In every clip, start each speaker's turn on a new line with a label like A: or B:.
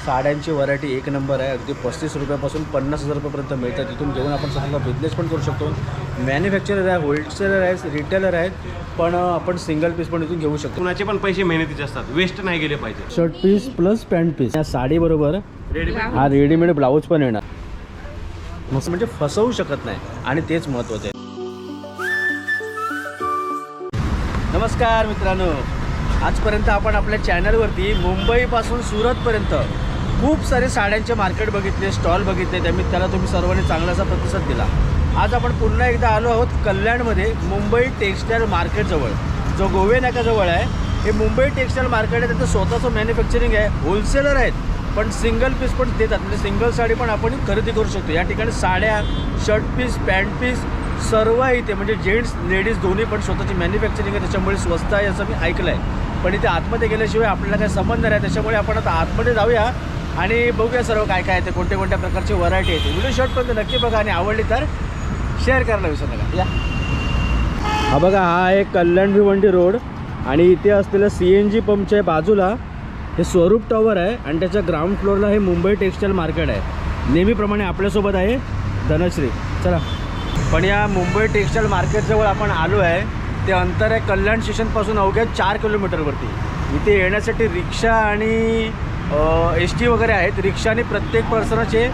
A: साड्यांची व्हरायटी एक नंबर आहे. अगदी 35 रुपयापासून 50,000 रुपयापर्यंत मिळतात. तिथून घेऊन आपण स्वतःचा बिझनेस पण करू शकतो. मॅन्युफॅक्चरर आहे, होलसेलर आहे, रिटेलर आहेत, पण आपण सिंगल पीस पण इथून घेऊ शकतो.
B: कुणाचे पण पैसे मेहनतीचे असतात, वेस्ट नाही गेले पाहिजे.
A: Shirt piece plus pant piece. या साडीबरोबर हा रेडीमेड ब्लाऊज पण येणार. मस्त म्हणजे फसवू शकत नाही आणि तेच महत्त्वाचं आहे. नमस्कार मित्रांनो, आजपर्यंत आपण आपल्या चॅनलवरती मुंबईपासून सुरतपर्यंत खूप सारे साड्यांचे मार्केट बघितले, स्टॉल बघितले. त्याला तुम्ही सर्वांनी चांगलासा प्रतिसाद दिला. आज आपण पुन्हा एकदा आलो आहोत कल्याणमध्ये मुंबई टेक्सटाईल मार्केटजवळ, जो गोवे नाक्याजवळ आहे. हे मुंबई टेक्सटाईल मार्केट आहे. त्याचं स्वतःचं मॅन्युफॅक्चरिंग आहे, होलसेलर आहेत, पण सिंगल पीस पण देतात. म्हणजे सिंगल साडी पण आपण खरेदी करू शकतो. या ठिकाणी साड्या, शर्ट पीस, पॅन्ट पीस सर्व इथे, म्हणजे जेंट्स लेडीज दोन्ही पण स्वतःची मॅन्युफॅक्चरिंग आहे. त्याच्यामुळे स्वस्त आहे असं मी ऐकलं आहे. पण इथे आतमध्ये गेल्याशिवाय आपल्याला काही संबंध नाही. त्याच्यामुळे आपण आता आतमध्ये जाऊया आणि बघूया सर्व काय काय आहे ते, कोणत्या प्रकारची व्हरायटी आहे. व्हिडिओ शॉर्टपर्यंत नक्की बघा आणि आवडली तर शेअर करायला विसरू नका. या हा बघा, हा आहे कल्याण भिवंडी रोड आणि इथे असलेलं CNG पंपच्या बाजूला हे स्वरूप टॉवर आहे आणि त्याच्या ग्राउंड फ्लोअरला हे मुंबई टेक्सटाईल मार्केट आहे. नेहमीप्रमाणे आपल्यासोबत आहे धनश्री. चला, पण या मुंबई टेक्सटाईल मार्केटजवळ आपण आलो आहे. ते अंतर आहे कल्याण स्टेशनपासून अवघ्या 4 किलोमीटरवरती. इथे येण्यासाठी रिक्षा आणि ST वगैरे आहेत. रिक्षाने प्रत्येक पर्सनाचे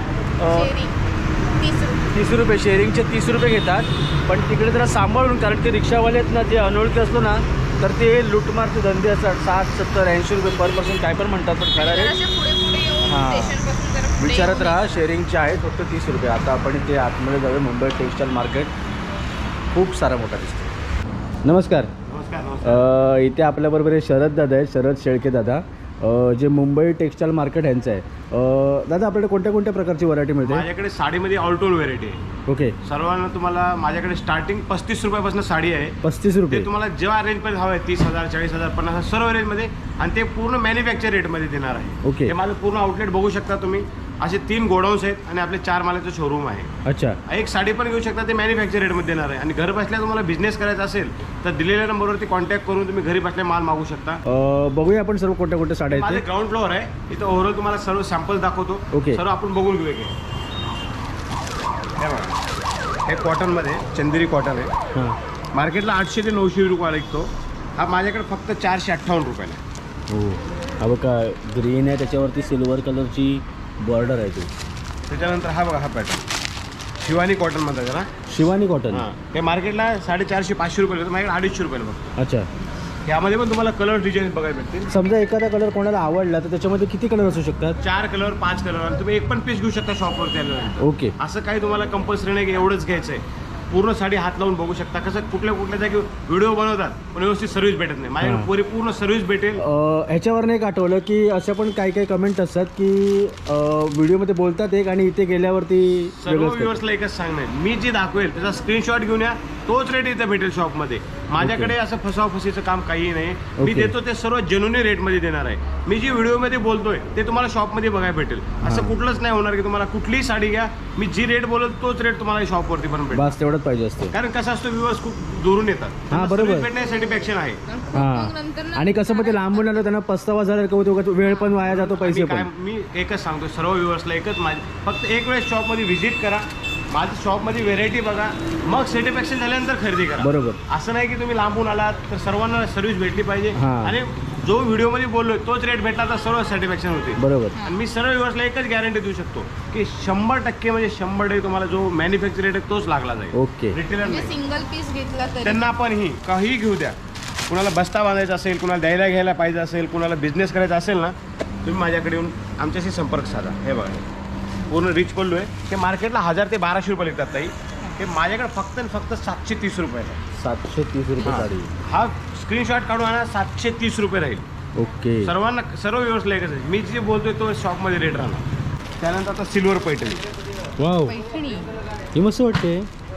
A: 30 रुपये, शेअरिंगचे 30 रुपये घेतात. पण तिकडे जरा सांभाळून, कारण की रिक्षावाले आहेत ना, जे अनोळखी असलो ना तर ते लुटमारचे धंदे असतात. 60, 70, 80 रुपये पर पर्सन काय पण म्हणतात, पण खरा रेट हां विचारत राहा. शेअरिंगचे आहेत फक्त 30 रुपये. आता आपण इथे आतमध्ये जाऊया. मुंबई टेक्सटाईल मार्केट खूप सारा मोठा दिसतो. नमस्कार.
B: नमस्कार.
A: इथे आपल्याबरोबर हे शरद दादा आहेत, शरद शेळके दादा, जे मुंबई टेक्सटाईल मार्केट यांचं आहे. दादा, आपल्याकडे कोणत्या प्रकारची व्हरायटी मिळते?
B: माझ्याकडे साडीमध्ये ऑल टोल व्हेरायटी आहे.
A: ओके.
B: सर्वांना तुम्हाला माझ्याकडे स्टार्टिंग 35 रुपयापासून साडी आहे.
A: 35 रुपये.
B: ते तुम्हाला जेव्हा रेंजमध्ये हवं आहे, 30,000, 40,000, 50,000 सर्व रेंजमध्ये, आणि ते पूर्ण मॅन्युफॅक्चर रेटमध्ये देणार आहे.
A: ओके.
B: हे माझं पूर्ण आउटलेट बघू शकता तुम्ही. असे 3 गोडाऊन्स आहेत आणि आपले 4 मालाचं शोरूम आहे.
A: अच्छा.
B: एक साडी पण घेऊ शकता, ते मॅन्युफॅक्चर रेटमध्ये देणार आहे. आणि घर बसल्या तुम्हाला बिझनेस करायचा असेल तर दिलेल्या नंबरवरती कॉन्टॅक्ट करून तुम्ही घरी बसल्या माल मागू शकता.
A: बघूया आपण सर्व कोणत्या साड्या आहेत.
B: माझे ग्राउंड फ्लोअर आहे. इथं ओव्हरऑल तुम्हाला सर्व सॅम्पल्स दाखवतो.
A: ओके.
B: सर्व आपण बघून घेऊया की हे बघा, हे कॉटनमध्ये चंदेरी कॉटन आहे.
A: हां.
B: मार्केटला 800 ते 900 रुपयाला विकतो. हा माझ्याकडे फक्त 458 रुपयाला.
A: हो, हा बघा ग्रीन आहे, त्याच्यावरती सिल्वर कलरची बॉर्डर आहे ती.
B: त्याच्यानंतर हा बघा, हा पॅटर्न शिवानी कॉटन म्हणतात त्याला.
A: शिवानी कॉटन.
B: हां, हे मार्केटला 450-500 रुपयाला येतं, माझ्याकडे 250 रुपयाला बघा.
A: अच्छा.
B: यामध्ये पण तुम्हाला कलर डिझाईन बघायला भेटतील.
A: समजा एखादा कलर कोणाला आवडला तर त्याच्यामध्ये किती कलर असू शकतात?
B: 4 कलर, 5 कलर, आणि तुम्ही एक पण पीस घेऊ शकता शॉपवरती आल्यानंतर.
A: ओके.
B: असं काही तुम्हाला कंपल्सरी नाही की एवढंच घ्यायचं आहे. पूर्ण साडी हात लावून बघू शकता. कसं कुठल्या जागी व्हिडिओ बनवतात पण व्यवस्थित सर्व्हिस भेटत नाही. माझ्याकडे पूर्ण सर्व्हिस भेटेल.
A: ह्याच्यावरनं एक आठवलं की अशा पण काही कमेंट असतात की व्हिडिओमध्ये बोलतात एक आणि इथे गेल्यावरती
B: सर्व व्ह्युअर्सला एकच सांगणार, मी जे दाखवेल त्याचा स्क्रीनशॉट घेऊन या, तोच रेट इथे भेटेल शॉपमध्ये. माझ्याकडे असं फसवाफसीचं काम काही नाही. मी देतो ते सर्व जेन्युइन रेटमध्ये देणार आहे. मी जी व्हिडिओमध्ये बोलतोय ते तुम्हाला शॉपमध्ये बघायला भेटेल. असं कुठलंच नाही होणार की तुम्हाला कुठलीही साडी घ्या, मी जी रेट बोलत तोच रेट तुम्हाला शॉपवरती पण भेटेल.
A: बस तेवढंच पाहिजे असते.
B: कारण कसं असतं, व्ह्युअर्स खूप दुरून येतात.
A: हां, बरोबर.
B: भेटण्याची सॅटिस्फॅक्शन आहे.
A: हां, आणि कसं मग ते लांबून आलं त्यांना पस्तावा झाला का, वेळ पण वाया जातो, पैसे पण.
B: मी एकच सांगतो सर्व व्ह्युअर्सला, एकच फक्त एक वेळेस शॉपमध्ये व्हिजिट करा, माझ्या शॉपमध्ये व्हेरायटी बघा, मग सॅटिस्फॅक्शन झाल्यानंतर खरेदी करा.
A: बरोबर.
B: असं नाही की तुम्ही लांबून आलात तर सर्वांना सर्व्हिस भेटली पाहिजे. आणि जो व्हिडिओमध्ये बोललोय तोच रेट भेटला तर सर्व सॅटिस्फॅक्शन होते.
A: बरोबर.
B: आणि मी सर्व व्ह्युअर्सला एकच गॅरंटी देऊ शकतो की 100% म्हणजे 100% तुम्हाला जो मॅन्युफॅक्चर रेट आहे तोच लागला जाईल.
A: ओके.
B: रिटेलर
C: सिंगल पीस घेतला तरी
B: त्यांना पण ही काही घेऊ द्या. कुणाला बस्ता बांधायचा असेल, कुणाला द्यायला घ्यायला पाहिजे असेल, कुणाला बिझनेस करायचा असेल ना, तुम्ही माझ्याकडे येऊन आमच्याशी संपर्क साधा. हे बघा पूर्ण रिच पल्लू आहे. हे मार्केटला 1000 ते 1200 रुपये विकतात ताई. हे माझ्याकडे फक्त 730 रुपये आहे.
A: 730 रुपये साडी.
B: हा स्क्रीनशॉट काढून आणा, 730 रुपये राहील.
A: ओके.
B: सर्व व्यवस्था एकच आहे. मी जे बोलतोय तो शॉपमध्ये रेट राहणार. त्यानंतर आता सिल्वर पैठणी.
A: वाव,
C: पैठणी
A: ही मस्त वाटते.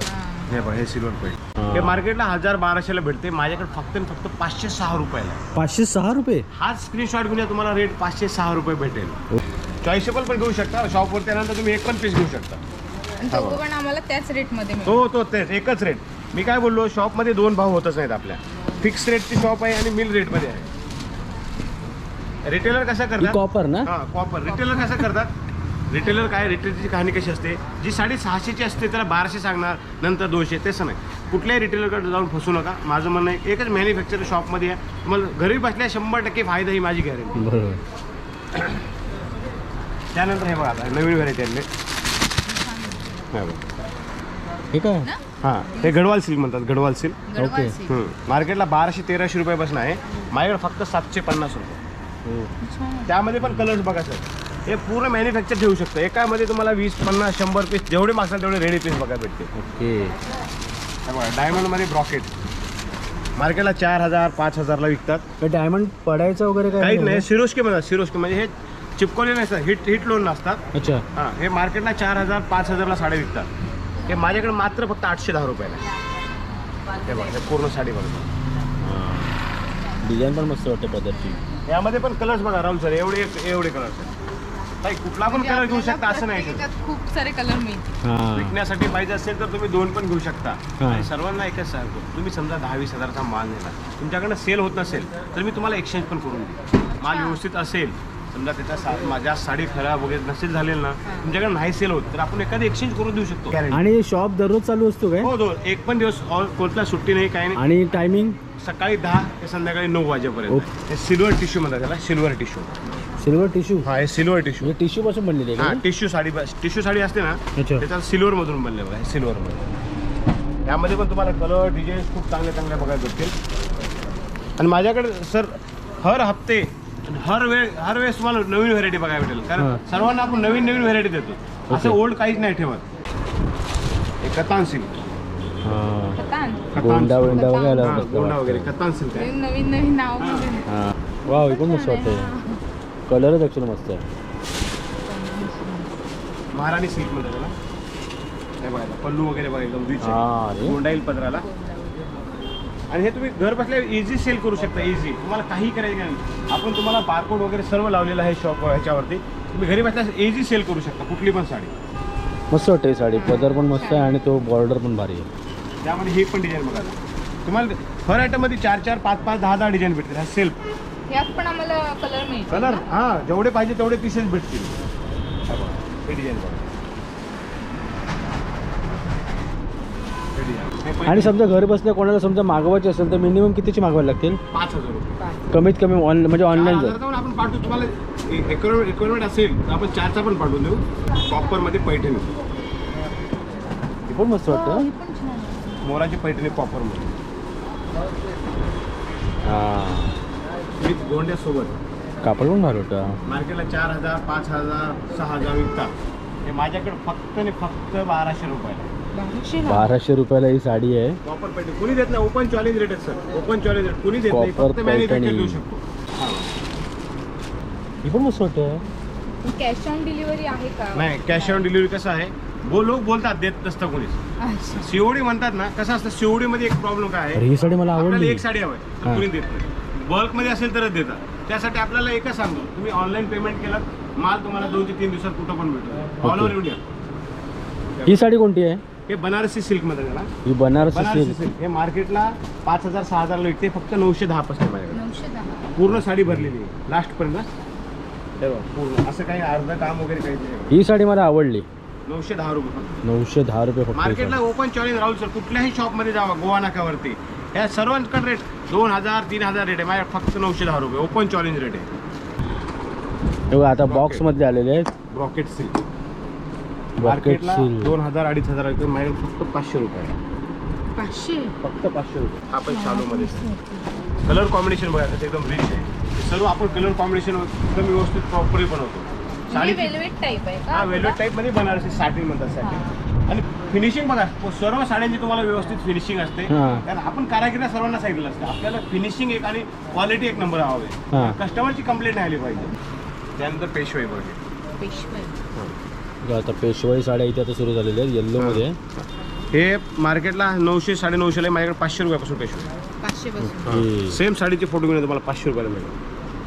B: हे बघा, हे सिल्वर पैठणी हे मार्केटला 1000-1200ला भेटते. माझ्याकडे फक्त 506 रुपयाला.
A: 506 रुपये.
B: हा स्क्रीनशॉट घेऊन तुम्हाला रेट 506 रुपये भेटेल. चॉईसेबल पण घेऊ शकता. शॉपवर त्यानंतर तुम्ही एक पण पीस घेऊ शकता.
C: दोघं पण आम्हाला त्याच रेटमध्ये
B: तो तेच एकच रेट. मी काय बोललो, शॉपमध्ये 2 भाव होतच नाहीत आपल्या. फिक्स रेटची शॉप आहे आणि मिल रेटमध्ये आहे. रिटेलर कसं
A: ही
B: करतात
A: कॉपर ना?
B: हा कॉपर. रिटेलर कसं करतात, रिटेलर काय, रिटेलरची कहाणी कशी असते, जी साडी 600ची असते त्याला 1200 सांगणार, नंतर 200, तसं नाही. कुठल्याही रिटेलरकडे जाऊन फसू नका. माझं म्हणणं आहे एकच मॅन्युफॅक्चर शॉपमध्ये या, तुम्हाला घरी बसल्या 100% फायदा, ही माझी गॅरंटी.
A: बरोबर.
B: त्यानंतर हे बघा आता नवीन व्हरायटी आणले.
A: हे काय?
C: ना?
B: हां, हे गडवाल सिल्क म्हणतात, Gadwal silk.
C: Gadwal
A: okay.
C: Silk.
B: मार्केटला 1200-1300 रुपयापासून आहे, माझ्याकडे फक्त 750 रुपये.
A: हो.
C: अच्छा.
B: त्यामध्ये पण कलर्स बघा सर, हे पूर्ण मॅन्युफॅक्चर ठेवू शकतं. एकामध्ये तुम्हाला 20, 50, 100 पीस जेवढे मागसाल तेवढे रेडी पीस बघा भेटते.
A: ओके.
B: हे बघा डायमंडमध्ये ब्रॉकेट मार्केटला 4000, 5000ला विकतात.
A: तर डायमंड पडायचं वगैरे काय?
B: काहीच नाही, सिरोस्की म्हणतात. सिरोस्की म्हणजे हे चिपकवले नसतात, हिट लोन नसतात.
A: अच्छा.
B: हां, हे मार्केटला 4000, 5000ला साड्या विकतात. हे माझ्याकडे मात्र फक्त 810 रुपयाला आहे. हे बघा, हे पूर्ण साडी बघा.
A: डिझाईन पण मस्त वाटते पदरची.
B: यामध्ये पण कलर्स बघा राम सर, एवढे कलर्स आहेत. काही कुठला पण
C: म्हणजे
B: कलर घेऊ
C: आपल्याला
B: शकता असं नाही.
C: प्रत्येक याच्यात खूप सारे कलर मिळतील.
A: हां.
B: विकण्यासाठी पाहिजे असेल तर तुम्ही 2 पण घेऊ शकता.
A: हां.
B: आणि सर्वांना एकच सांगतो, तुम्ही समजा 10-20 हजाराचा माल नेला, तुमच्याकडनं सेल होत नसेल तर मी तुम्हाला एक्सचेंज पण करून देईन. माल व्यवस्थित असेल, समजा त्याच्या माझ्या साडी खराब वगैरे नसेल झालेलं ना, तुमच्याकडे नाही सेल होत तर आपण एखादी एक्सचेंज करून देऊ शकतो.
A: आणि शॉप दररोज चालू असतो काय?
B: हो, एक पण दिवस कोणत्या सुट्टी नाही, काही नाही.
A: आणि टायमिंग?
B: सकाळी 10 ते संध्याकाळी 9 वाजेपर्यंत. हे सिल्वर टिश्यू म्हणतात त्याला, सिल्वर टिश्यू.
A: Silver tissue?
B: हा, हे सिल्वर टिश्यू.
A: हे टिश्यू पासून बनलेली आहे
B: हा,
A: का?
B: टिश्यू साडी असते ना,
A: अच्छा.
B: त्याच्यात सिल्वर मधून बनले बघा, हे सिल्वर मध्ये. यामध्ये पण तुम्हाला कलर डिझाईन खूप चांगल्या बघायला भेटतील. आणि माझ्याकडे सर हर हप्ते हर वेळेस तुम्हाला नवीन व्हेरायटी बघायला भेटेल, कारण
A: हां.
B: सर्वांना आपण नवीन व्हेरायटी देतो. असं
A: ओके.
B: ओल्ड काहीच नाही ठेवत. हे कतान सिल्क,
A: हां.
C: कतान.
A: गोंडा वगैरे
B: हा, गोंडा वगैरे कतान सिल्क आहे.
C: नवीन नाव म्हणजे.
A: हां. वा, हे पण मस्त वाटतंय. कलरच ॲक्च्युली मस्त आहे.
B: महाराणी सिल्क मध्ये त्याला हे बघायला पल्लू वगैरे बघायला
A: हां, अरे.
B: गोंडा येईल पदराला. आणि हे तुम्ही घर बसल्या इझी सेल करू शकता. इझी, तुम्हाला काही करायचं नाही. आपण तुम्हाला बारकोड वगैरे सर्व लावलेलं आहे शॉप ह्याच्यावरती. तुम्ही घरी बसल्या इझी सेल करू शकता कुठली पण साडी.
A: मस्त वाटते साडी, पदर पण मस्त आहे आणि तो बॉर्डर पण भारी आहे.
B: त्यामध्ये हे पण डिझाईन बघा, तुम्हाला हर आयटममध्ये 4-4, 5-5, 10-10 डिझाईन भेटतील. हा सेल्फ
C: ह्यात पण आम्हाला कलर मिळतील.
B: कलर, हां, जेवढे पाहिजे तेवढे पीसेस भेटतील. हे बघा, हे डिझाईन बघा. हे डिझाईन. हे पण
A: आणि समजा घर बसल्या कोणाला समजा मागवायची असेल तर मिनिमम कितीची मागवायला लागतील?
B: 5000 रुपये.
A: कमीत कमी म्हणजे ऑनलाईन जर?
B: 4000 आपण पाठवू. तुम्हाला रिक्वायरमेंट असेल तर आपण 4चा पण पाठवून देऊ. कॉपरमध्ये पैठणी,
A: हे पण मस्त
C: हो,
A: वाटतं.
C: हे पण छान आहे.
B: मोराची पैठणी कॉपरमध्ये
A: हां.
B: विथ गोंड्यासोबत.
A: कापड पण भारी वाटतं.
B: मार्केटला 4000, 5000, 6000 विकतात. हे माझ्याकडे फक्त 1200 रुपयाला.
A: 1200 रुपयाला ही साडी आहे.
B: कॉपर पैठणी कुणी देत नाही. ओपन चॉलेंज रेट आहे सर, ओपन चॉलेंज रेट कुणी देत नाही.
A: कॉपर
B: फक्त मॅन्युफॅक्चर
A: पैठणी.
B: देऊ शकतो. हां.
A: ही पण मस्त वाटतं.
C: कॅश ऑन डिलिव्हरी आहे का?
B: नाही, कॅश ऑन डिलिव्हरी कसं आहे, लोक बोलतात देत नसतं कोणीच.
C: अच्छा.
B: सीओडी म्हणतात ना, कसं असतं सीओडी मध्ये एक प्रॉब्लेम काय
A: अरे
B: आहे,
A: ही साडी मला
B: आपल्याला
A: आवडली.
B: एक साडी हवी तर
A: हां.
B: कोणी देत नाही. बल्कमध्ये असेल तरच देतात. त्यासाठी आपल्याला एकच सांगतो, तुम्ही ऑनलाईन पेमेंट केलं, माल तुम्हाला 2 ते 3 दिवसात कुठं पण भेटतो, ऑल ओव्हर इंडिया.
A: ही साडी कोणती आहे?
B: हे बनारसी सिल्कमध्ये आहे ना,
A: ही बनारसी
B: बनारसी
A: सिल्क.
B: सिल्क. हे मार्केटला 5000, 6000 ला विकते, फक्त 910 पासून माझ्याकडे.
C: 910.
B: पूर्ण साडी भरलेली आहे लास्टपर्यंत. हे बघा, पूर्ण असं काही अर्ध काम वगैरे काही नाही.
A: ही साडी मला आवडली.
B: 910 रुपये फक्त.
A: 910 रुपये फक्त ही
B: मार्केटला
A: sari.
B: Open challenge Rahul sir, कुठल्याही शॉपमध्ये जावा गोवा नाक्यावरती, या सर्वांकडे रेट 2000, 3000 रेट आहे. माझ्या फक्त 910 रुपये ओपन चॉलेंज रेट आहे.
A: हे बघा, आता बॉक्स मध्ये आलेले आहेत.
B: ब्रॉकेट सिल्क
A: ब्रॉकेट
B: मार्केटला
A: सिल्क.
B: 2000, 2500 रुपये. माझ्याकडे फक्त 500 रुपये आहे.
C: 500.
B: फक्त 500 रुपये. हा पण शालूमध्ये कलर कॉम्बिनेशन बघा कसं एकदम रिच आहे. हे सर्व आपण कलर कॉम्बिनेशन एकदम व्यवस्थित प्रॉपरली बनवतो.
C: साडी वेलवेट टाईप आहे का?
B: हा, वेल्वेट टाईप मध्ये बनारसी सॅटिन म्हणतात सॅटिन. आणि फिनिशिंग बघा, सर्व साड्यांची तुम्हाला व्यवस्थित फिनिशिंग असते.
A: हां.
B: कारण आपण कारागिरा सर्वांना सांगितलं असतं, आपल्याला फिनिशिंग एक आणि क्वालिटी एक नंबर हवे.
A: हां.
B: कस्टमरची कंप्लेंट नाही आली पाहिजे. त्यानंतर पेशवाई बघा.
C: पेशवाई.
A: बघा, आता पेशवाई साड्या इथे आता सुरू झालेल्या आहेत येल्लो मध्ये.
B: हे मार्केटला 900, 950 ला. माझ्याकडे 500 रुपयापासून पेशवाई.
C: 500 पासून.
A: हे
B: सेम साडीचे फोटो घेऊन तुम्हाला 500 रुपयाला मिळेल.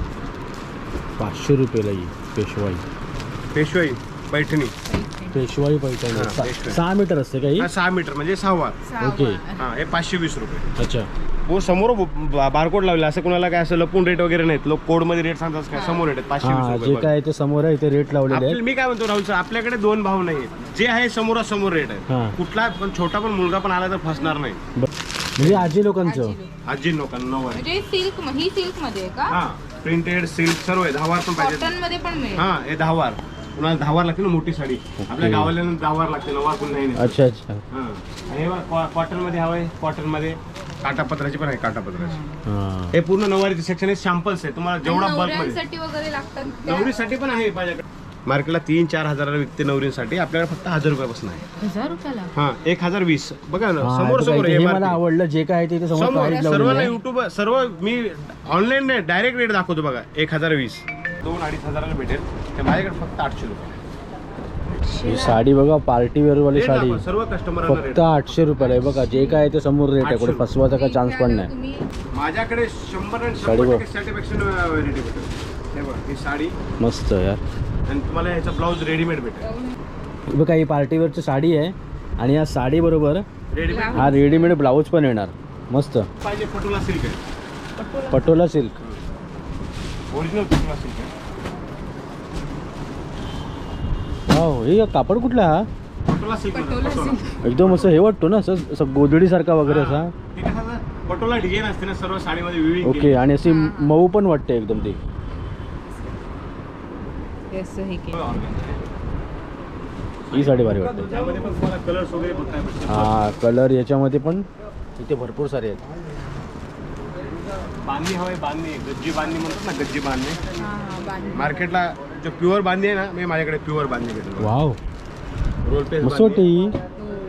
A: 500 रुपयाला ही पेशवाई.
B: पेशवाई पैठणी.
A: पेशवाई पैठणी.
B: हां, पेशवाई.
A: 6 मीटर असते का ही?
B: हा, 6 मीटर म्हणजे 6 वार.
C: सहा
A: ओके.
C: वार.
B: हा, हे 520 रुपये.
A: अच्छा.
B: हो समोर बारकोड लावला, असं कोणाला काय असं लपून रेट वगैरे नाहीत. लोक कोडमध्ये रेट सांगतात काय, समोर रेट आहेत 520
A: हा,
B: रुपये
A: जे काय ते समोर आहे ते रेट लावलेले आहेत.
B: मी काय म्हणतो राहुल सर, आपल्याकडे दोन भाव नाही, जे आहे समोरासमोर रेट
A: हा.
B: आहे. कुठला पण छोटा पण मुलगा पण आला तर फसणार नाही.
A: म्हणजे आजी लोकांचं.
B: आजी लोकांना नऊ आहे.
C: म्हणजे सिल्क, ही सिल्क मध्ये आहे का?
B: हा, प्रिंटेड सिल्क सर्व आहे. 10 वार पण पाहिजे.
C: कॉटन मध्ये पण मिळेल.
B: हा, हे 10 वार. कुणाला 10 वार लागते ना मोठी साडी, आपल्या गावाला 10 वार लागते, 9 वार पण नाही.
A: अच्छा अच्छा.
B: हा, आणि हे कॉटन मध्ये हवं आहे. कॉटन मध्ये काटापत्राची पण आहे, काटापत्राची.
A: हा.
B: हे पूर्ण नऊवारीचे सेक्शन आहे, सॅम्पल्स आहे. तुम्हाला जेवढा बल्क मध्ये.
C: नवऱ्यांसाठी वगैरे लागतात त्या-
B: नवरीसाठी पण आहे माझ्याकडे. मार्केटला 3-4 हजाराला विकते नवरींसाठी, आपल्याकडे फक्त 1000 रुपयापासून आहे.
C: 1000 रुपयाला.
B: हा, 1020. बघा ना,
A: हा,
B: समोर
A: हे
B: समोर
A: बघा,
B: हे
A: हे मला
B: मार्केट.
A: आवडलं. जे काय आहे ते समोर
B: समोर
A: प्राईस लावलेलं
B: सर्वांना
A: आहे.
B: युट्यूब सर्व मी ऑनलाईन नाही, डायरेक्ट रेट दाखवतो बघा. 1020. 2-2.5 हजाराला भेटेल. ते माझ्याकडे फक्त 800 रुपये.
A: ही साडी बघा, पार्टी वेअर वाली
B: रेट
A: साडी
B: दाखवा, सर्व कस्टमरांना रेट.
A: फक्त 800 रुपयाला आहे बघा. जे काय आहे ते समोर रेट आहे, कुठे
B: 800.
A: फसवायचा काय चान्स पण नाही.
C: तुम्ही
B: माझ्याकडे 100%
A: साडी बघ.
B: सॅटिस्फॅक्शन व्हॅरायटी भेटेल. हे बघा, ही साडी
A: मस्त यार.
B: आणि तुम्हाला ह्याचा ब्लाऊज रेडीमेड भेटेल.
A: ही बघा, ही पार्टी वेअरची साडी आहे आणि या साडी बरोबर
B: रेडीमेड
A: हा रेडीमेड ब्लाऊज पण येणार. मस्त.
B: पाहिजे पटोला सिल्क आहे.
A: Patola silk.
B: Original Patola silk आहे.
A: वाव, हे कापड कुठला हा?
B: Patola silk
C: Patola silk.
A: एकदम असं हे वाटतो ना, असं गोधडी सारखा वगैरे असा.
B: ठीक आहे सर. पटोला डिझाईन असते ना सर्व साडीमध्ये विविंग
A: ओके. आणि अशी मऊ पण वाटते एकदम ती.
C: असं हे केलं.
A: ही साडी भारी वाटते.
B: त्यामध्ये पण तुम्हाला कलर्स वगैरे बघताय भेटतील.
A: हा, कलर याच्यामध्ये पण इथे भरपूर सारे आहेत.
B: बांधणी हवंय, बांधणी गज्जी बांधणी म्हणतात ना, गज्जी बांधणी.
C: हा, बांधणी.
B: मार्केटला जो प्युअर बांधणी आहे ना, मी माझ्याकडे प्युअर बांधणी भेटेल.
A: वाव,
B: रोल पेज
A: मस्त वाटते ही.
C: हो.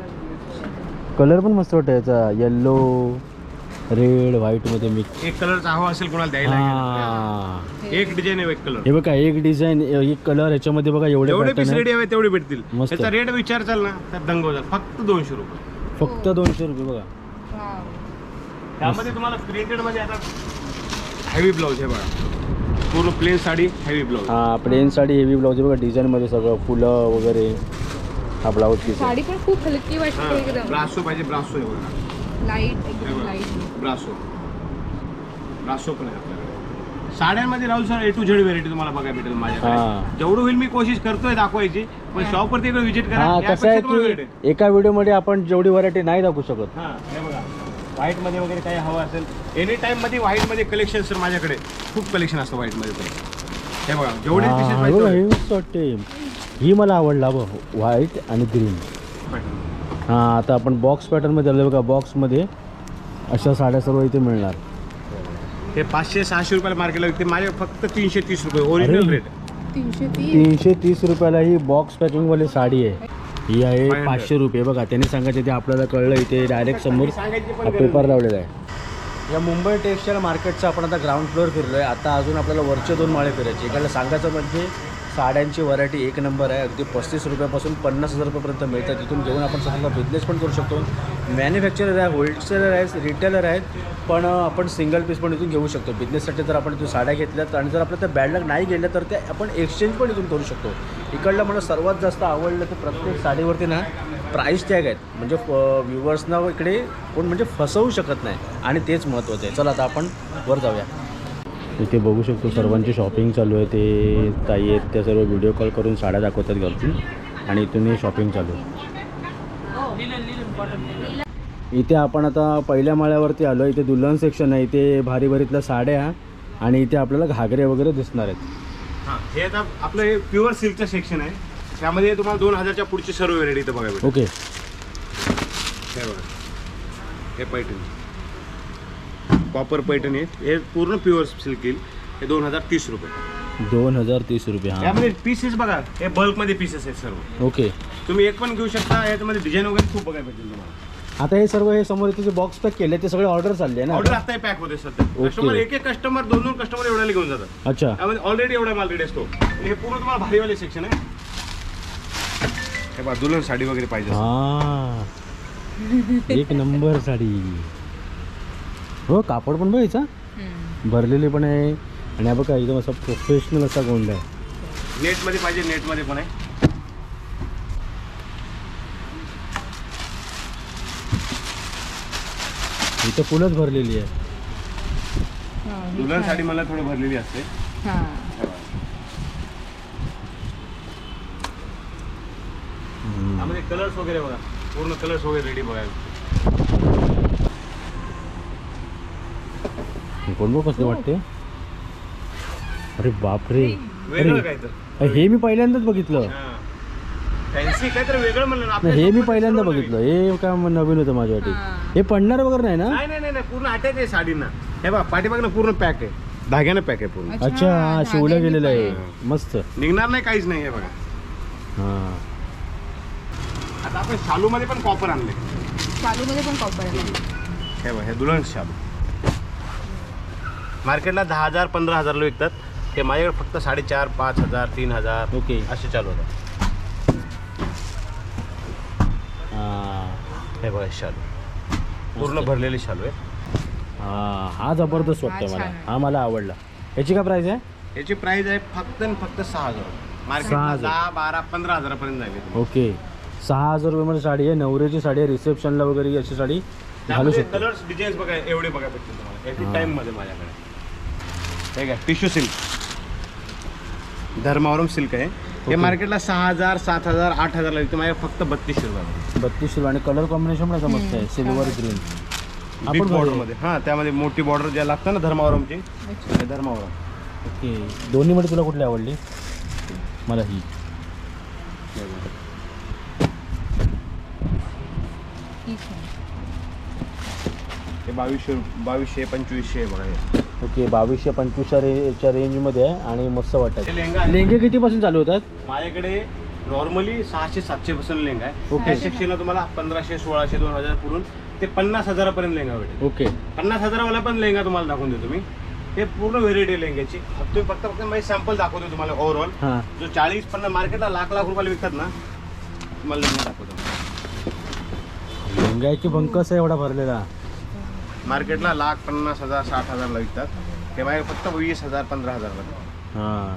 A: कलर पण मस्त वाटतं याचा. येल्लो, रेड, व्हाईट मध्ये मिक्स.
B: एक कलरचा हवा असेल कोणाला द्यायला
A: हा,
B: एक डिझाईन आहे, एक कलर.
A: हे बघा, एक डिझाईन, एक कलर. ह्याच्यामध्ये बघा एवढे
B: जेवढे पीस
A: pattern
B: रेडी
A: आहेत.
B: हवे तेवढे भेटतील.
A: मस्त.
B: त्याचा रेट विचारचाल ना तर दंग होतात. फक्त 200 रुपये.
A: फक्त 200 रुपये बघा.
C: वाव.
B: त्यामध्ये तुम्हाला प्रिंटेड मध्ये आता हेवी ब्लाऊज आहे बघा. पूर्ण प्लेन साडी हेवी ब्लाऊज.
A: हा, प्लेन साडी हेवी ब्लाऊज बघा, डिझाईन मध्ये सगळं फुलं वगैरे. हा ब्लाऊज पीस आहे.
C: साडी पण खूप हलकी वाटते एकदम.
B: ब्रासो पाहिजे, ब्रासो आहे बघा.
C: लाईट एकदम लाईट.
B: ब्रासो. ब्रासो पण आहे आपल्याकडे. साड्यांमध्ये Rahul sir A to Z variety तुम्हाला बघायला भेटेल
A: हा.
B: माझ्याकडे. जेवढं होईल मी कोशिश करतोय दाखवायची, पण शॉपवरती एकदा व्हिजिट करा.
A: हा, कसं
B: यापेक्षा
A: आहे
B: तुम्हाला भेटेल.
A: की एका व्हिडिओमध्ये आपण जेवढी व्हरायटी नाही दाखवू शकत.
B: हा, हे बघा. व्हाईट मध्ये वगैरे काही हवं असेल, एनी टाइम मध्ये व्हाईट मध्ये कलेक्शन सर माझ्याकडे खूप कलेक्शन असतं व्हाईट मध्ये पण. हे बघा, जेवढे
A: हा,
B: पीसेस
A: हे बघा,
B: पाहिजे
A: हे मस्त वाटते. ही मला आवडला बघ, व्हाईट आणि ग्रीन. हा, आता आपण बॉक्स पॅटर्न मध्ये आलो बघा. बॉक्स मध्ये अशा साड्या सर्व इथे मिळणार.
B: हे 500-600 रुपयाला मार्केटला विकते, माझे फक्त 330 रुपये ओरिजिनल
A: अरे.
B: रेट.
C: 330.
A: 330 रुपयाला ही बॉक्स पॅकिंग वाली साडी आहे. ही आहे
B: 500.
A: 500 रुपये. बघा, त्यांनी सांगायचे ते आपल्याला कळलं. इथे डायरेक्ट समोर
B: सांगायची पण
A: हा
B: गरज
A: पेपर
B: नाही.
A: लावलेला आहे. या मुंबई टेक्सटाईल मार्केटचं आपण आता ग्राउंड फ्लोअर फिरलोय. आता अजून आपल्याला वरचे 2 माळे फिरायचे. इकडे सांगायचं म्हणजे साड्यांची व्हरायटी एक नंबर आहे. अगदी 35 रुपयापासून 50,000 रुपयापर्यंत मिळतात. तिथून घेऊन आपण स्वतःचा बिझनेस पण करू शकतो. मॅन्युफॅक्चरर आहे, होलसेलर आहे, रिटेलर आहेत, पण आपण सिंगल पीस पण इथून घेऊ शकतो. बिझनेससाठी जर आपण इथून साड्या घेतल्यात आणि जर आपल्या त्या बॅड लक नाही गेल्या तर ते आपण एक्सचेंज पण इथून करू शकतो. इकडलं मला सर्वात जास्त आवडलं तर प्रत्येक साडीवरती ना प्राईस टॅग आहेत. म्हणजे व्ह्युअर्सना इकडे कोण म्हणजे फसवू शकत नाही आणि तेच महत्त्वाचं आहे. चला आता आपण वर जाऊया. इथे बघू शकतो सर्वांची शॉपिंग चालू आहे. ते ताई आहेत त्या सर्व व्हिडिओ कॉल करून साड्या दाखवतात घरची आणि इथून शॉपिंग चालू आहे. इथे आपण आता पहिल्या माळ्यावरती आलो. इथे दुल्हन सेक्शन आहे. इथे भारी भारीतल्या साड्या आणि इथे आपल्याला घागरे वगैरे दिसणार आहेत.
B: हा, हे आता आपलं हे प्युअर सिल्कचं सेक्शन आहे. त्यामध्ये तुम्हाला 2000च्या पुढची सर्व व्हेरायटी इथं बघायला भेटेल.
A: ओके.
B: हे बघा, हे पैठणी कॉपर पैठणी आहे. हे पूर्ण प्युअर सिल्क येईल. हे 2030 रुपये.
A: 2030 रुपये. हां,
B: त्यामध्ये पीसेस बघा, हे बल्कमध्ये पीसेस आहेत सर्व.
A: ओके.
B: तुम्ही एक पण घेऊ शकता. याच्यामध्ये डिझाईन वगैरे खूप बघायला भेटेल तुम्हाला.
A: आता हे सर्व हे समोर इथे जे बॉक्स पॅक केले ते सगळे ऑर्डर चालले आहे ना.
B: ऑर्डर आता पॅक होते सध्या.
A: ओके.
B: कस्टमर एक कस्टमर 2 कस्टमर एवढ्याला घेऊन जातात.
A: अच्छा.
B: त्यामध्ये ऑलरेडी एवढा माल रेडी असतो. हे पूर्ण तुम्हाला भारीवाले सेक्शन आहे. हे बघा, दुल्हन साडी वगैरे पाहिजे असेल.
A: हां, एक नंबर साडी. हो, कापड पण बघायचा भरलेली पण आहे आणि हा बघा एकदम असा प्रोफेशनल असा गोंड आहे.
B: नेटमध्ये पाहिजे, नेटमध्ये पण आहे.
A: इथं फुलच भरलेली आहे.
C: हा, ही
B: दुल्हन
C: छान.
B: साडी मला थोडी भरलेली असते.
C: हा.
B: त्यामध्ये कलर्स वगैरे बघा, पूर्ण कलर्स वगैरे रेडी बघायला.
A: कोण बघ कसं वाटते. अरे बापरे,
B: वेगळं काय तर
A: हे मी पहिल्यांदाच बघितलं.
B: फॅन्सी काय तर वेगळं म्हणलं ना
A: नाही, हे मी
B: आपल्या
A: पहिल्यांदा
B: सर्व
A: बघितलं. हे काय नवीन होतं माझ्यासाठी. हे पडणार वगैरे नाही ना.
B: नाही नाही नाही नाही, पूर्ण अटॅच आहे साडींना. हे बघा पाठीमागनं पूर्ण पॅक आहे, धाग्यानं पॅक आहे पूर्ण.
A: अच्छा, हा, शिवलं
C: धाग्याने
A: गेलेलं आहे.
C: पण.
A: मस्त.
B: निघणार नाही, काहीच नाही. हे बघा
A: हां,
B: आता आपण शालू मध्ये पण कॉपर आणले.
C: शालूमध्ये पण कॉपर आहे.
B: हे बघा, हे दुल्हन शालू मार्केटला 10,000 15,000ला विकतात. हे माझ्याकडे फक्त 4,500 5,000 3,000
A: ओके.
B: असे चालू होतात.
A: हां
B: हे बघा शालू पूर्ण भरलेली शालू आहे.
A: हां, हा जबरदस्त वाटतोय
C: हा,
A: मला.
C: छान आहे.
A: हा मला आवडला. याची काय प्राइस आहे?
B: याची प्राइस आहे फक्त आणि फक्त 6,000. मार्केटला
A: 6,000.
B: 10 12 15,000 पर्यंत जाईल.
A: ओके, 6,000 रुपयामध्ये साडी आहे. नवऱ्याची साडी आहे, रिसेप्शनला वगैरे अशी साडी घालू शकतो.
B: कलर्स डिझाईन्स बघा, एवढे बघा भेटतील तुम्हाला एटी
A: हां.
B: टाइम मध्ये माझ्याकडे. हे काय टिश्यू सिल्क, धर्मावरम सिल्क आहे. हे मार्केटला 6,000 7,000 8,000ला विकतो. माझ्या फक्त 3200 रुपये.
A: 32 आणि कलर कॉम्बिनेशन पण मस्त आहे. Silver green.
B: बिग
A: आपण
B: बॉर्डर मध्ये. हां, त्यामध्ये मोठी बॉर्डर ज्या लागतं ना धर्मावरमची, हे धर्मावरम.
A: ओके, दोन्हीमध्ये तुला कुठली आवडली? मला ही.
C: ही छान.
B: हे 2200 2500 बघा. हे
A: ओके, 2200-2500 रेंजमध्ये आहे आणि मस्त वाटतं.
B: हे लेहंगा आहे.
A: लेंगे कितीपासून चालू होतात?
B: माझ्याकडे नॉर्मली 600-700 पासून लेहंगा आहे.
A: ओके.
B: त्या सेक्शनला तुम्हाला 1500 1600 2000 पुरून ते 50,000 पर्यंत लेहंगा भेटेल.
A: ओके.
B: 50,000 वाला पण लेहंगा तुम्हाला दाखवून देतो मी. हे पूर्ण व्हेरायटी लेहंग्याची. तुम्ही फक्त माझी सॅम्पल दाखवतो तुम्हाला ओव्हरऑल.
A: हां,
B: जो 40-50 मार्केटला लाख रुपयाला विकतात ना, तुम्हाला लेहंगा दाखवतो.
A: लेंगायची बंकस आहे एवढा भरलेला.
B: मार्केटला 1,50,000 60,000ला विकतात. हे माझ्या फक्त 20,000 15,000ला.
A: हां,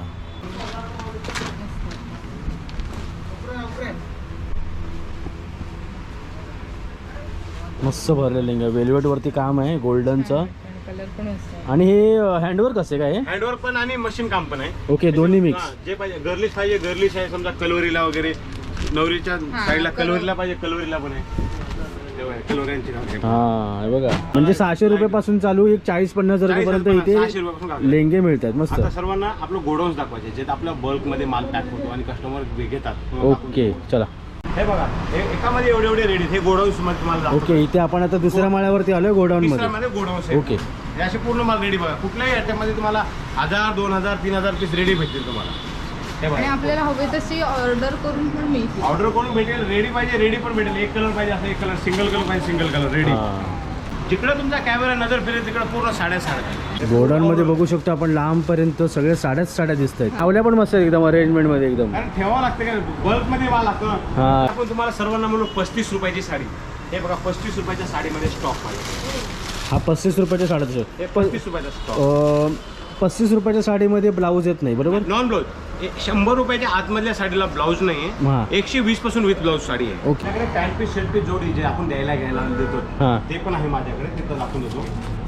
A: मस्त भरलेलं लेंगा. वेल्वेटवरती काम आहे गोल्डनचं.
C: कलर पण मस्त.
A: आणि हे हँडवर्क कसे काय?
B: हँडवर्क पण आणि मशीन काम पण आहे.
A: ओके, दोन्ही मिक्स.
B: हां, जे पाहिजे गर्लिश पाहिजे गर्लिश आहे. समजा कलोरीला वगैरे नवरीच्या
C: हां,
B: साईडला
C: कलोरी.
B: कलोरीला पाहिजे कलोरीला पण आहे. कलोऱ्यांची नाव आहे.
A: हां, हे बघा, म्हणजे 600 रुपयापासून चालू एक 40-50 रुपयापर्यंत
B: 600
A: इथे
B: रुपयापासून गाव.
A: लेंगे मिळतात. मस्त.
B: आता सर्वांना आपलं गोडाऊन्स दाखवायचे जे आपल्या बल्कमध्ये माल पॅक होतो आणि कस्टमर घेतात.
A: ओके, चला.
B: हे बघा, हे एकामध्ये एवढे एवढे रेडी. हे गोडाऊन्स मध्ये तुम्हाला दाखवतो.
A: ओके, इथे आपण आता दुसऱ्या माळ्यावरती आलोय गोडाऊन मध्ये.
B: तिसऱ्यामध्ये गोडाऊन्स आहे.
A: ओके.
B: हे असे पूर्ण माल रेडी बघा. कुठल्याही आयटममध्ये तुम्हाला 1000 2000 3000 पीस रेडी भेटतील तुम्हाला. हे
C: आणि
B: बघा,
C: आपल्याला हवे तशी ऑर्डर करून पण मिळतील.
B: ऑर्डर करून भेटेल. रेडी पाहिजे रेडी पण भेटेल. एक कलर पाहिजे असं एक कलर, सिंगल कलर पाहिजे सिंगल कलर रेडी.
A: हां.
B: जिकडे तुमचा कॅमेरा नजर फिरेल तिकडे पूर्ण साड्या साड्या.
A: गोडाऊन मध्ये बघू शकतो आपण लांबपर्यंत सगळे साड्याच साड्या दिसत आहेत. आवल्या पण मस्त आहेत एकदम अरेंजमेंट मध्ये एकदम.
B: कारण ठेवावं लागतं का बल्क मध्ये माल लागतो ना.
A: हां,
B: आपण तुम्हाला सर्वांना म्हणून 35 रुपयाची साडी. हे बघा 35 रुपयाच्या साडीमध्ये स्टॉक पाहिजे.
A: हा 35 रुपयाच्या साड्याचा
B: हे 35 रुपयाचा स्टॉक.
A: 35 रुपयाच्या साडीमध्ये ब्लाऊज येत नाही बरोबर?
B: Non blouse. 100 रुपयाच्या आतमधल्या साडीला ब्लाऊज नाही
A: हां.
B: आहे. 120 पासून विथ ब्लाऊज साडी आहे.
A: ओके.
B: माझ्याकडे पॅन्ट पीस शर्ट पीस जोडी जे आपण घ्यायला देतो
A: हां.
B: ते पण आहे माझ्याकडे. ते तर दाखवून देतो.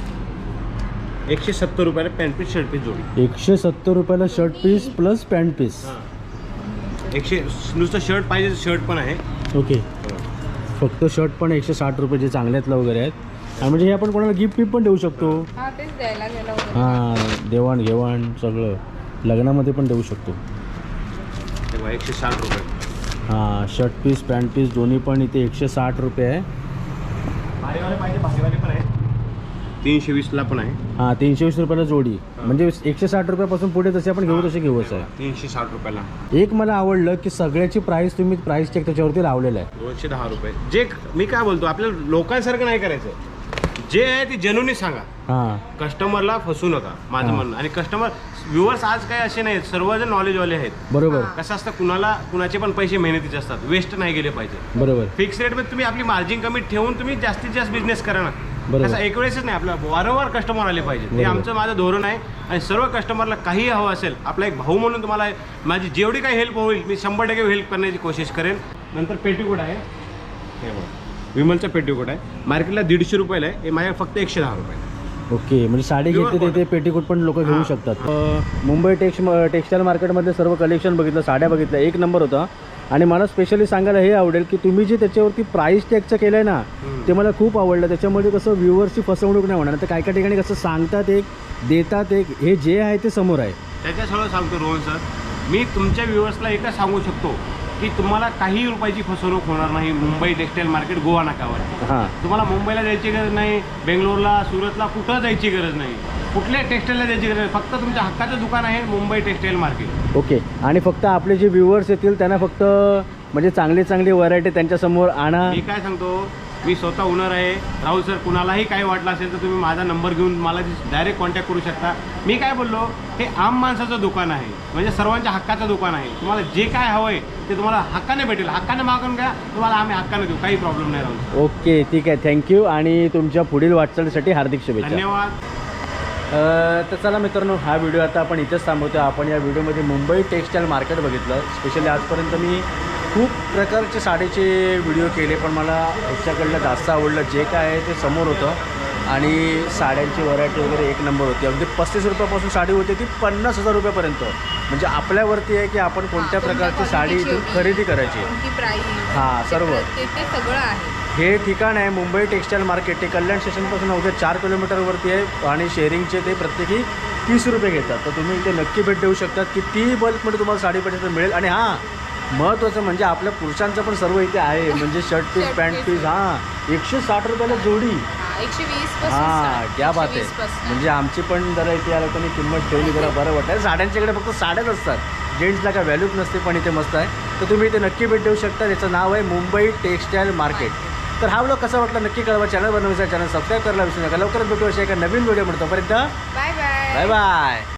B: 170 रुपयाला पॅन्ट पीस शर्ट पीस जोडी.
A: 170 रुपयाला shirt piece plus pant piece.
B: 100 नुसतं शर्ट पाहिजे शर्ट पण आहे.
A: ओके, फक्त शर्ट पण 160 रुपये जे चांगल्यातलं वगैरे आहेत. आणि म्हणजे हे आपण कोणाला गिफ्ट पण देऊ शकतो.
C: हा, तेच द्यायला गेला वगैरे.
A: हां, देवाण घेवाण सगळं लग्नामध्ये पण देऊ शकतो.
B: ते बघा 160 रुपये.
A: हां, शर्ट पीस पॅन्ट पीस दोन्ही पण इथे 160 रुपये आहे.
B: भारीवाले पाहिजे भारीवाले पण आहे. 320ला पण आहे.
A: हां, 320 रुपयाला जोडी. म्हणजे 160 रुपयापासून पुढे जसे आपण घेऊ तसे घेऊच आहे.
B: 360 रुपयाला.
A: एक मला आवडलं की सगळ्याची प्राईस तुम्ही प्राईस चेक त्याच्यावरती लावलेलं आहे.
B: 210 रुपये. जे मी काय बोलतो आपल्याला लोकांसारखं नाही करायचं. जे आहे ते जेन्युइनली सांगा.
A: हां,
B: कस्टमरला फसू नका माझं
A: हां.
B: म्हणणं. आणि कस्टमर व्ह्युअर्स आज काय असे नाहीत, सर्वजण नॉलेजवाले आहेत.
A: बरोबर
B: कसं असतं कुणाचे पण पैसे मेहनतीचे असतात, वेस्ट नाही गेले पाहिजे.
A: बरोबर
B: फिक्स रेटमध्ये तुम्ही आपली मार्जिन कमी ठेवून तुम्ही जास्तीत जास्त बिझनेस करा ना.
A: बरोबर.
B: कसं एक वेळेसच नाही, आपला वारंवार कस्टमर आले पाहिजे. ते
A: बरोबर.
B: आमचं माझं धोरण आहे. आणि सर्व कस्टमरला काही हवं असेल, आपला एक भाऊ म्हणून तुम्हाला माझी जेवढी काही हेल्प होईल मी 100% हेल्प करण्याची कोशिश करेन. नंतर पेटीकोट आहे. हे बघा विमलचा पेटीकोट आहे. मार्केटला 150 रुपयाला आहे, हे माझ्या फक्त 110 रुपये.
A: ओके, म्हणजे साडी
B: Pure
A: घेतली तिथे पेटीकोट पण लोक घेऊ
B: हां.
A: शकतात. मुंबई टेक्स्टाईल मार्केटमध्ये सर्व कलेक्शन बघितलं, साड्या बघितल्या, एक नंबर होता. आणि मला स्पेशली सांगायला हे आवडेल की तुम्ही जे त्याच्यावरती प्राईस टॅगचं केलं आहे ना, ते मला खूप आवडलं. त्याच्यामध्ये कसं व्ह्युअर्सची फसवणूक नाही होणार. तर काही काही ठिकाणी कसं सांगतात एक, देतात एक, हे जे आहे ते समोर आहे.
B: त्याच्यासोबत सांगतो रोहन सर, मी तुमच्या व्ह्युअर्सला एकच सांगू शकतो की तुम्हाला काही रुपयाची फसवणूक होणार नाही मुंबई टेक्सटाईल मार्केट गोवा नाक्यावर.
A: हां,
B: तुम्हाला मुंबईला जायची गरज नाही, बेंगलोरला, सुरतला कुठं जायची गरज नाही, कुठल्या टेक्सटाईलला जायची गरज नाही. फक्त तुमच्या हक्काचं दुकान आहे मुंबई टेक्सटाईल मार्केट.
A: ओके. आणि फक्त आपले जे व्ह्युअर्स येतील त्यांना फक्त म्हणजे चांगली चांगली व्हरायटी त्यांच्यासमोर आणा.
B: मी काय सांगतो, मी स्वतः ओनर आहे. राहुल सर, कुणालाही काही वाटलं असेल तर तुम्ही माझा नंबर घेऊन मला डायरेक्ट कॉन्टॅक्ट करू शकता. मी काय बोललो, हे आम माणसाचं दुकान आहे, म्हणजे सर्वांच्या हक्काचं दुकान आहे. तुम्हाला जे काय हवं आहे ते तुम्हाला हक्काने भेटेल. हक्काने मागून घ्या, तुम्हाला आम्ही हक्काने देऊ, काही प्रॉब्लेम नाही. राहुल सर,
A: ओके, ठीक आहे. थँक्यू. आणि तुमच्या पुढील वाटचालीसाठी हार्दिक शुभेच्छा.
B: धन्यवाद.
A: तर चला मित्रांनो, हा व्हिडिओ आता आपण इथेच थांबवतो. आपण या व्हिडिओमध्ये मुंबई टेक्स्टाईल मार्केट बघितलं. स्पेशली आजपर्यंत मी खूप प्रकारचे साडीचे व्हिडिओ केले, पण मला ह्याच्याकडलं जास्त आवडलं जे काय आहे ते समोर होतं. आणि साड्यांची व्हरायटी वगैरे एक नंबर होती. अगदी 35 रुपयापासून साडी होती ती 50,000 रुपयापर्यंत. म्हणजे आपल्यावरती आहे की आपण कोणत्या प्रकारची साडी इथून खरेदी करायची.
C: कोणती प्राईस,
A: हां, सर्व.
C: ते सगळं आहे.
A: हे ठिकाण आहे मुंबई टेक्स्टाईल मार्केट. ते कल्याण स्टेशनपासून अवघ्या 4 किलोमीटरवरती आहे. आणि शेअरिंगचे ते प्रत्येकी 30 रुपये घेतात. तर तुम्ही इथे नक्की भेट देऊ शकतात. किती बल्कमध्ये तुम्हाला साडी पाहिजे मिळेल. आणि हां, महत्त्वाचं म्हणजे आपल्या पुरुषांचं पण सर्व इथे आहे. म्हणजे शर्ट पीस, पॅन्ट पीस. हां, 160 रुपयाला जोडी.
C: 120
A: हां, क्या बात आहे. म्हणजे आमची पण जरा इथे या लोकांनी किंमत ठेवली, जरा बरं वाटतं. साड्यांच्याकडे फक्त साड्याच असतात, जेंट्सला काय व्हॅल्यूच नसते, पण इथे मस्त आहे. तर तुम्ही इथे नक्की भेट देऊ शकता. याचं नाव आहे मुंबई टेक्स्टाईल मार्केट. तर हा व्हिडिओ कसा वाटला नक्की कळवा. चॅनल बनवायचा, चॅनल सबस्क्राईब करायला विसरू नका. लवकरच भेटू अशा एका नवीन व्हिडिओ म्हणतो. तोपर्यंत
C: बाय बाय.
A: Bye bye.